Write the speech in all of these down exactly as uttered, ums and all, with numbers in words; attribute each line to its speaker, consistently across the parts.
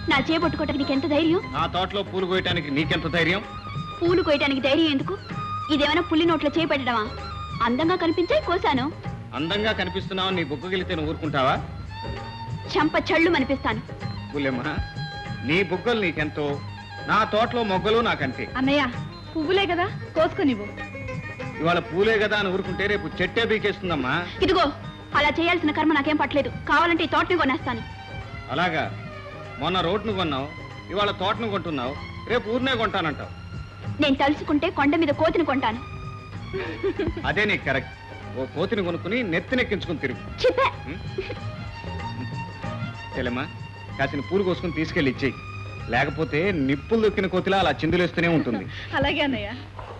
Speaker 1: నా చేపట్టుకోవటానికి నీకెంత ధైర్యం?
Speaker 2: నా తోటలో పూలు కోయటానికి నీకెంత ధైర్యం?
Speaker 1: పూలు కోయటానికి ధైర్యం ఎందుకు? ఇదేమైనా పుల్లి నోట్లో చేపెట్టడమా? అందంగా కనిపించే కోసాను.
Speaker 2: అందంగా కనిపిస్తున్నావు, నీ బుగ్గగిలితే నువ్వు ఊరుకుంటావా?
Speaker 1: చంప చళ్ళు అనిపిస్తాను.
Speaker 2: పుల్లెమ్మ, నీ బుగ్గలు నీకెంతో, నా తోటలో మొగ్గలు నాకంతే.
Speaker 1: అన్నయ్య, పువ్వులే కదా, కోసుకునివ్వు.
Speaker 2: ఇవాళ పూలే కదా అని ఊరుకుంటే రేపు చెట్టే బీకేస్తుందమ్మా.
Speaker 1: ఇదిగో, అలా చేయాల్సిన కర్మ నాకేం పట్టలేదు. కావాలంటే ఈ తోటని కొనేస్తాను.
Speaker 2: అలాగా? మొన్న రోడ్ను కొన్నావు, ఇవాళ తోటను కొంటున్నావు, రేపు ఊరినే కొంటానంటావు.
Speaker 1: నేను తలుచుకుంటే కొండ మీద కోతిని కొంటాను.
Speaker 2: అదే నీకు కరెక్ట్. ఓ కోతిని కొనుక్కుని నెత్తినెక్కించుకుని తిరుగు.
Speaker 1: చెప్పా.
Speaker 2: చెల్లెమ్మా, కాసిన పూలు కోసుకుని తీసుకెళ్ళి ఇచ్చేయి. లేకపోతే నిప్పులు దొక్కిన కోతిలా అలా చిందులేస్తూనే ఉంటుంది.
Speaker 1: అలాగే అన్నయ్య.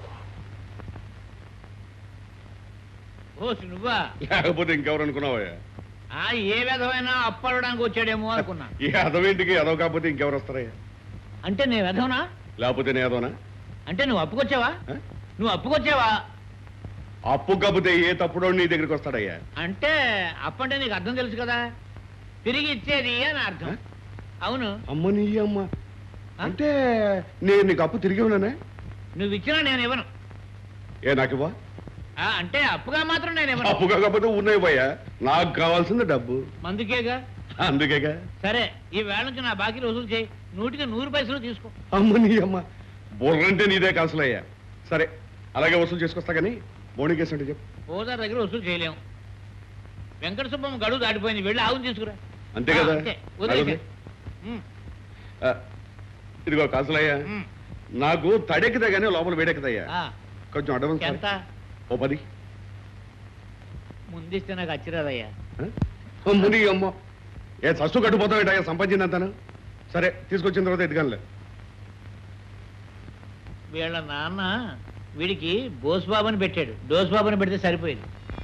Speaker 3: ఓ నువ్వా?
Speaker 4: లేకపోతే ఇంకెవరు అనుకున్నావా?
Speaker 3: ఏ విధమైనా అప్పడడానికి వచ్చాడేమో అనుకున్నా.
Speaker 4: ఈ అదవేంటికి అదవ కాకపోతే ఇంకెవరు వస్తారయ్యా?
Speaker 3: అంటే నేను వెధవనా?
Speaker 4: లేకపోతే నేను అదవనా?
Speaker 3: అంటే నువ్వు అప్పుకొచ్చావా? నువ్వు అప్పుకొచ్చావా?
Speaker 4: అప్పు కాకపోతే ఏ తప్పుడో నీ దగ్గరికి వస్తాడయ్యా?
Speaker 3: అంటే అప్పంటే నీకు అర్థం తెలుసు కదా, తిరిగి ఇచ్చేది అని అర్థం. అవును.
Speaker 4: అమ్మ నీ అమ్మ, అంటే నేను నీకు అప్పు తిరిగి ఉన్నానే?
Speaker 3: నువ్వు ఇచ్చినా నేను ఇవ్వను.
Speaker 4: ఏ నాకు ఇవ్వ?
Speaker 3: అంటే అప్పుగా మాత్రం నేను ఇవ్వను.
Speaker 4: అప్పు కాకపోతే ఉన్నాయి పోయా, నాకు కావాల్సింది డబ్బు.
Speaker 3: అందుకేగా.
Speaker 4: అందుకేగా.
Speaker 3: సరే, ఈ వేళ నుంచి నా బాకీలు వసూలు చేయి. నూటికి నూరు పైసలు తీసుకో.
Speaker 4: అమ్మ నీ అమ్మ, బుర్రంటే నీదే కాసులయ్యా. సరే, అలాగే వసూలు చేసుకొస్తా కానీ బోణికేసి అంటే చెప్పు.
Speaker 3: ఓదార్ దగ్గర వసూలు చేయలేము. వెంకట సుబ్బమ్మ గడువు దాటిపోయింది, వెళ్ళి ఆవును తీసుకురా.
Speaker 4: అంతే కదా? ఇదిగో కాసులయ్యా, నాకు తడెక్కుదా కానీ లోపల వేడెక్కుదయ్యా. కొంచెం అడ్వాన్స్.
Speaker 3: ఎంత?
Speaker 4: ఓ పది
Speaker 3: ముందిస్తే నాకు అచ్చిరాదయ్యా.
Speaker 4: ముని అమ్మ, ఏ సస్సు కట్టుపోతావు సంపాదించిందంతాను. సరే, తీసుకొచ్చిన తర్వాత ఎదుగానులే.
Speaker 3: వీళ్ళ నాన్న వీడికి బోస్బాబుని పెట్టాడు, డోస్బాబుని పెడితే సరిపోయింది.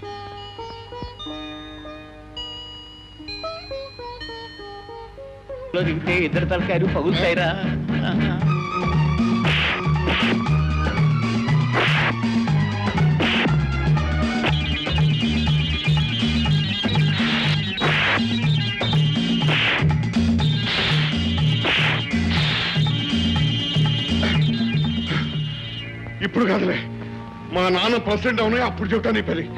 Speaker 3: దిగితే ఇద్దరు తలకాయలు పగులుతాయిరా.
Speaker 4: ఇప్పుడు కాదులే, మా నాన్న ప్రెసిడెంట్ అవునాయి అప్పుడు చెప్తా నీ పని.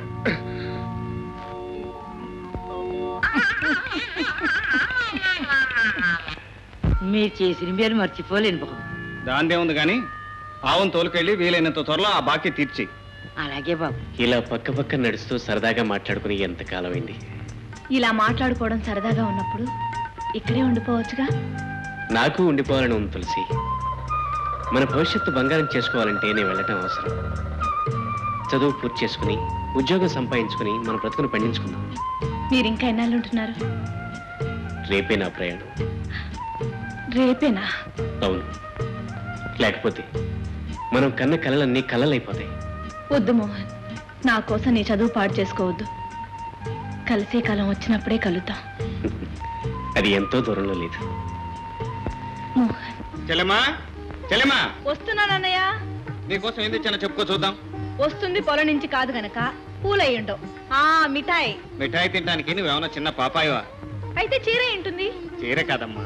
Speaker 5: మీరు చేసిన మీరు మర్చిపోలేను బాబు.
Speaker 2: దాందే ఉంది కానీ ఆవును తోలుకెళ్ళి వీలైనంత త్వరలో ఆ బాకీ తీర్చి.
Speaker 5: అలాగే బాబు.
Speaker 6: ఇలా పక్క పక్క నడుస్తూ సరదాగా మాట్లాడుకుని ఎంతకాలం అయింది.
Speaker 1: ఇలా మాట్లాడుకోవడం సరదాగా ఉన్నప్పుడు ఇక్కడే ఉండిపోవచ్చుగా.
Speaker 6: నాకు ఉండిపోవాలని ఉంది తులసి. మన భవిష్యత్తు బంగారం చేసుకోవాలంటే నేను వెళ్ళటం అవసరం. చదువు పూర్తి చేసుకుని ఉద్యోగం సంపాదించుకుని మన బ్రతుకును పండించుకుందాం.
Speaker 1: మీరు ఇంకా ఎన్నాళ్ళు ఉంటున్నారు?
Speaker 6: రేపే నా ప్రయాణం.
Speaker 1: రేపేనా?
Speaker 6: అవును, లేకపోతే మనం కన్న కలలన్నీ కలలైపోతాయి.
Speaker 1: వద్దు మోహన్, నా కోసం నీ చదువు పాడు చేసుకోవద్దు. కలిసే కాలం వచ్చినప్పుడే కలుద్దాం.
Speaker 6: అది ఎంతో దూరంలో లేదు.
Speaker 1: మోహన్.
Speaker 2: చెల్లెమ్మా, చెల్లెమ్మా,
Speaker 1: వస్తున్నానన్నయ్య.
Speaker 2: నీకోసం ఏం తెచ్చానో చెప్పుకో చూద్దాం.
Speaker 1: వస్తుంది పొలం నుంచి కాదు గనక పూలయ్యుండవు. ఆ మిఠాయి.
Speaker 2: మిఠాయి తినడానికి నువ్వేమన్నా చిన్న పాపాయవా?
Speaker 1: అయితే చీర ఏంటుంది?
Speaker 2: చీర కాదమ్మా.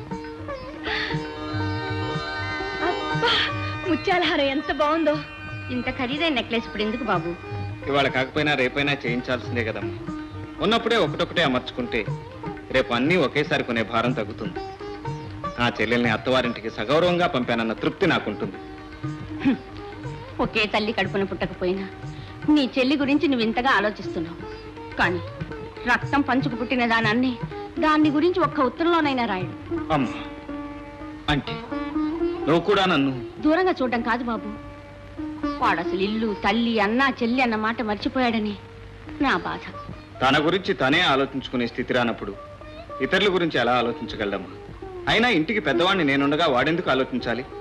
Speaker 1: అబ్బా, ముత్యాల హారం ఎంత బాగుందో.
Speaker 5: ఇంత ఖరీదైన నెక్లెస్ ఇప్పుడు ఎందుకు బాబు?
Speaker 2: ఇవాళ కాకపోయినా రేపైనా చేయించాల్సిందే కదమ్మా. ఉన్నప్పుడే ఒకటొకటే అమర్చుకుంటే రేపు అన్నీ ఒకేసారి కొనే భారం తగ్గుతుంది. ఆ చెల్లెల్ని అత్తవారింటికి సగౌరవంగా పంపానన్న తృప్తి నాకుంటుంది.
Speaker 5: ఒకే తల్లి కడుపున పుట్టకపోయినా నీ చెల్లి గురించి నువ్వు ఇంతగా ఆలోచిస్తున్నావు. కానీ రక్తం పంచుకు పుట్టిన దానాన్ని దాన్ని గురించి ఒక్క ఉత్తరంలోనైనా రాయడు.
Speaker 2: అమ్మా, అంటే నువ్వు కూడా నన్ను
Speaker 5: దూరంగా చూడడం కాదు బాబు. వాడు అసలు ఇల్లు, తల్లి, అన్న, చెల్లి అన్న మాట మర్చిపోయాడని నా బాధ.
Speaker 2: తన గురించి తనే ఆలోచించుకునే స్థితి రానప్పుడు ఇతరుల గురించి ఎలా ఆలోచించగలదమ్మా? అయినా ఇంటికి పెద్దవాడిని నేనుండగా వాడెందుకు ఆలోచించాలి?